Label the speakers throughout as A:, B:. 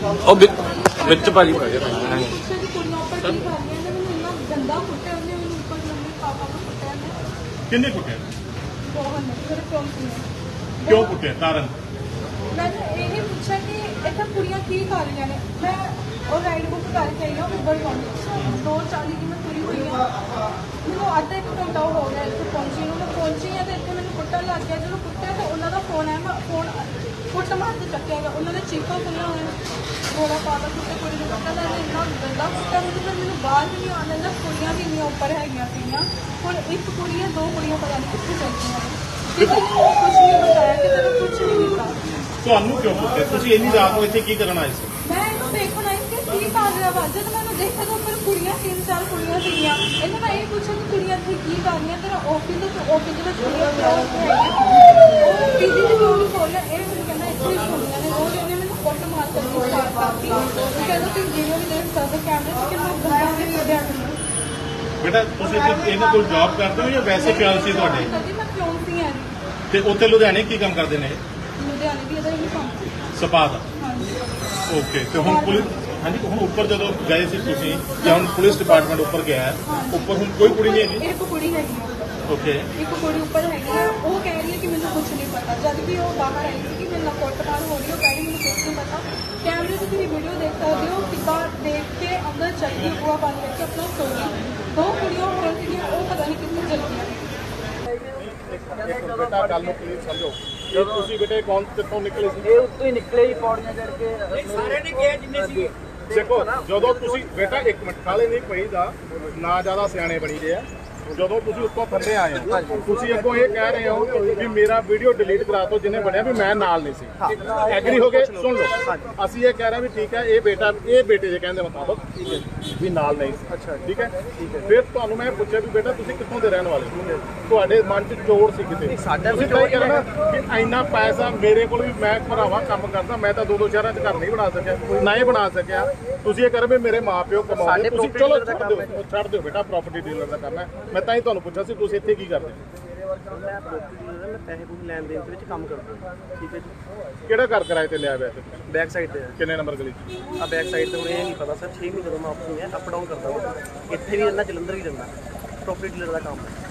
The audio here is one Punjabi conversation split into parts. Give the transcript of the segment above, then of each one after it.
A: ਉਹ ਵਿੱਚ ਭਾਜੀ ਪੈ ਗਿਆ
B: ਕਿੰਨੇ ਕੁੱਟਿਆ ਕਿਉਂ ਕੁੱਟਿਆ ਕਾਰਨ
C: मैं ये पूछा कि इतना कुड़ियाँ की कर रही ने मैं और राइड बुक करके आई हूँ उबर वाली 2:40 की मैं पूरी हुई हूँ मैं आधा एक घंटा हो गया इतने पहुँची मैं पहुँची हाँ तो इतने मैंने कुट्टन लग गया जो कुट्टिया तो उन्होंने फोन है मैं फोन कुट मार के चक्या गया उन्होंने चीखा खुलिया हुआ थोड़ा पाला कुत्ते कुड़ी ने कुट्टा लगे इन्ना गंदा कुट्टा मैंने बाहर भी नहीं आने लगा कुड़ियाँ भी नहीं ऊपर है और एक कुड़ी है 2 कुड़ियाँ पता नहीं कितनी चलती हैं किसी ने कुछ नहीं बताया कि तेरा कुछ नहीं होता
B: ਤੁਹਾਨੂੰ ਕਿਉਂ ਪੁੱਛਿਆ ਤੁਸੀਂ ਇੰਨੀ ਰਾਤ ਨੂੰ ਇੱਥੇ ਕੀ ਕਰਨ ਆਏ ਸੀ
C: मैं इन्हों देखना है कि की कर रहा वा जब मैंने देखा तो ऊपर कुड़ियाँ 3-4 कुड़ियाँ सीगियां इन्हें मैं ये पूछा कि कुड़ियाँ इतनी की कर रही हैं तेरा ऑफिस में कुड़ियाँ और पीजी ने क्यों नहीं खोल रहा ये मैंने कहना इतनी कुड़ियाँ ने रोज इन्हें मैंने फोटो मार करके स्टार्ट करती कहना तुम जिन्हें भी देख सकते कैमरे से कितना गंदा से कढ़िया
B: ਬੇਟਾ ਤੁਸੀਂ ਇਹਨਾਂ ਕੋਲ ਜੌਬ ਕਰਦੇ ਹੋ ਜਾਂ ਵੈਸੇ ਪਿਆਰ ਸੀ ਤੁਹਾਡੇ
C: मैं क्यों सी हाँ जी
B: ਤੇ ਉੱਥੇ ਲੁਧਿਆਣੇ ਕੀ ਕੰਮ ਕਰਦੇ ਨੇ
C: लुधियाने भी इधर ही काम
B: ਸਪਾ ਦਾ
C: हाँ जी
B: ਓਕੇ ਤੇ ਹੁਣ ਪੁਲਿਸ ਹਾਂਜੀ ਹੁਣ ਉੱਪਰ ਜਦੋਂ ਗਏ ਸੀ ਤੁਸੀਂ ਜਾਂ ਹੁਣ ਪੁਲਿਸ ਡਿਪਾਰਟਮੈਂਟ ਉੱਪਰ ਗਿਆ ਹੈ ਉੱਪਰ ਹੁਣ ਕੋਈ ਕੁੜੀ ਨਹੀਂ ਹੈਗੀ
C: एक कुड़ी हैगी
B: ਓਕੇ
C: एक कुड़ी ऊपर हैगी है वो कह रही है कि मैंने कुछ नहीं पता जब भी वो बाहर आई थी कि मेरे नाल कुटमार हो रही है वो कह रही मैंने कुछ नहीं पता कैमरे से तुम वीडियो देख सकते हो कितना देख के अंदर चल गई बुआ बंद करके अपना सो गई 2 कुड़ियां हो रही वो पता नहीं कितनी चलती हैं
B: ਬੇਟਾ ਗੱਲ ਨੂੰ ਕਲੀਅਰ ਸਮਝੋ ਇਹ ਤੁਸੀਂ ਬੇਟੇ ਕੌਣ ਕਿੱਥੋਂ ਨਿਕਲੇ ਸੀ
D: ਇਹ ਉੱਤੋਂ ਹੀ ਨਿਕਲੇ ਹੀ ਪੌੜੀਆਂ ਚੜ ਕੇ
E: ਸਾਰੇ ਨੇ ਕਿਹਾ ਜਿੰਨੇ ਸੀ
B: ਦੇਖੋ ਜਦੋਂ ਤੁਸੀਂ ਬੇਟਾ 1 ਮਿੰਟ ਕਾਲੇ ਨਹੀਂ ਪਈਦਾ ਨਾ ਜ਼ਿਆਦਾ ਸਿਆਣੇ ਬਣੀ ਦੇ ਆ ਜਦੋਂ ਤੁਸੀਂ ਉੱਤੋਂ ਥੱਲੇ ਆਏ ਹੋ ਤੁਸੀਂ ਅੱਗੋਂ ਇਹ ਕਹਿ ਰਹੇ ਹੋ ਕਿ ਮੇਰਾ ਵੀਡੀਓ ਡਿਲੀਟ ਕਰਾ ਦਿਓ ਜਿਹਨੇ ਬਣਿਆ ਵੀ ਮੈਂ ਨਾਲ ਨਹੀਂ ਸੀ ਐਗਰੀ ਹੋ ਗਏ ਸੁਣ ਲਓ ਅਸੀਂ ਇਹ ਕਹਿ ਰਹੇ ਵੀ ਠੀਕ ਹੈ ਇਹ ਬੇਟੇ ਜੇ ਕਹਿੰਦੇ ਮੁਤਾਬਕ ਠੀਕ ਹੈ ਵੀ ਨਾਲ ਨਹੀਂ ਸੀ ਅੱਛਾ ਠੀਕ ਹੈ ਫਿਰ ਤੁਹਾਨੂੰ ਮੈਂ ਪੁੱਛਿਆ ਵੀ ਬੇਟਾ ਤੁਸੀਂ ਕਿੱਥੋਂ ਦੇ ਰਹਿਣ ਵਾਲੇ ਹੋ ਤੁਹਾਡੇ ਮਨ 'ਚ ਚੋੜ ਸੀ ਕਿਤੇ ਤੁਸੀਂ ਤਾਂ ਇਹ ਕਹਿਣਾ ਕਿ ਇੰਨਾ ਪੈਸਾ ਮੇਰੇ ਕੋਲ ਵੀ ਮੈਂ ਭਰਾਵਾ ਕੰਮ ਕਰਦਾ ਮੈਂ ਤਾਂ 2 ਸ਼ਹਿਰਾਂ 'ਚ ਘਰ ਨਹੀਂ ਬਣਾ ਸਕਿਆ ਨਾ ਹੀ ਬਣਾ ਸਕਿਆ ਤੁਸੀਂ ਇਹ ਕਰ ਵੀ ਮੇਰੇ ਮਾਪਿਓ ਕਮਾਉਂਦੇ ਤੁਸੀਂ ਚਲੋ ਛੱਡ ਦਿਓ ਬੇਟਾ ਪ੍ਰਾਪਰਟੀ ਡੀਲਰ ਦਾ ਕਰਨਾ ਮੈਂ ਤਾਂ ਹੀ ਤੁਹਾਨੂੰ ਪੁੱਛਿਆ ਸੀ ਤੁਸੀਂ ਇੱਥੇ ਕੀ ਕਰਦੇ
D: ਮੈਂ ਪੈਸੇ ਪੂਸੇ ਲੈਣ ਦੇਣ ਦੇ ਵਿੱਚ ਕੰਮ ਕਰਦਾ ਠੀਕ ਹੈ ਜੀ
B: ਕਿਹੜਾ ਘਰ ਕਿਰਾਏ ਤੇ ਲਿਆ ਵੈਸੇ
D: ਬੈਕ ਸਾਈਡ ਤੇ
B: ਕਿੰਨੇ ਨੰਬਰ ਗਲੀ
D: ਆ ਬੈਕ ਸਾਈਡ ਤੇ ਹੁਣ ਇਹ ਨਹੀਂ ਪਤਾ ਸਰ 6 ਮਹੀਨੇ ਤੋਂ ਮੈਂ ਆਪਸ ਨਹੀਂ ਅਪ ਡਾਊਨ ਕਰਦਾ ਹਾਂ ਇੱਥੇ ਵੀ ਰਹਿੰਦਾ ਜਲੰਧਰ ਵੀ ਰਹਿੰਦਾ ਪ੍ਰੋਪਰਟੀ ਡੀਲਰ ਦਾ ਕੰਮ ਹੈ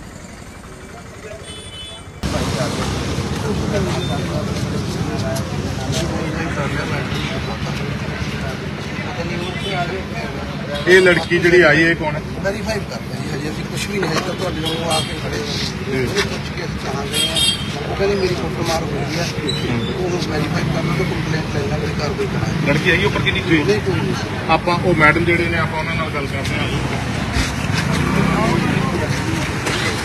B: ਇਹ ਲੜਕੀ ਜਿਹੜੀ ਆਈ ਹੈ ਕੌਣ ਹੈ
F: ਵੈਰੀਫਾਈ ਕਰਦੇ ਜੀ ਹਜੇ ਅਸੀਂ ਕੁਝ ਵੀ ਨਹੀਂ ਹੈ ਤਾਂ ਤੁਹਾਡੇ ਨੂੰ ਆ ਕੇ ਖੜੇ ਉਹ ਪੁੱਛ ਕੇ ਅਸੀਂ ਚਾਹਾਂਗੇ ਉਹ ਕਹਿੰਦੇ ਮੇਰੀ ਫੋਟੋ ਮਾਰ ਹੋਈ ਹੈ ਉਹਨੂੰ ਵੈਰੀਫਾਈ ਕਰਨਾ ਤੇ ਕੰਪਲੇਂਟ ਲੈਣਾ ਕੋਈ ਕਾਰਵਾਈ ਕਰਾਂਗੇ
B: ਲੜਕੀ ਆਈ ਉੱਪਰ ਕਿੰਨੀ
F: ਨਹੀਂ ਕੋਈ ਨਹੀਂ
B: ਆਪਾਂ ਉਹ ਮੈਡਮ ਜਿਹੜੇ ਨੇ ਆਪਾਂ ਉਹਨਾਂ ਨਾਲ ਗੱਲ ਕਰਦੇ ਹਾਂ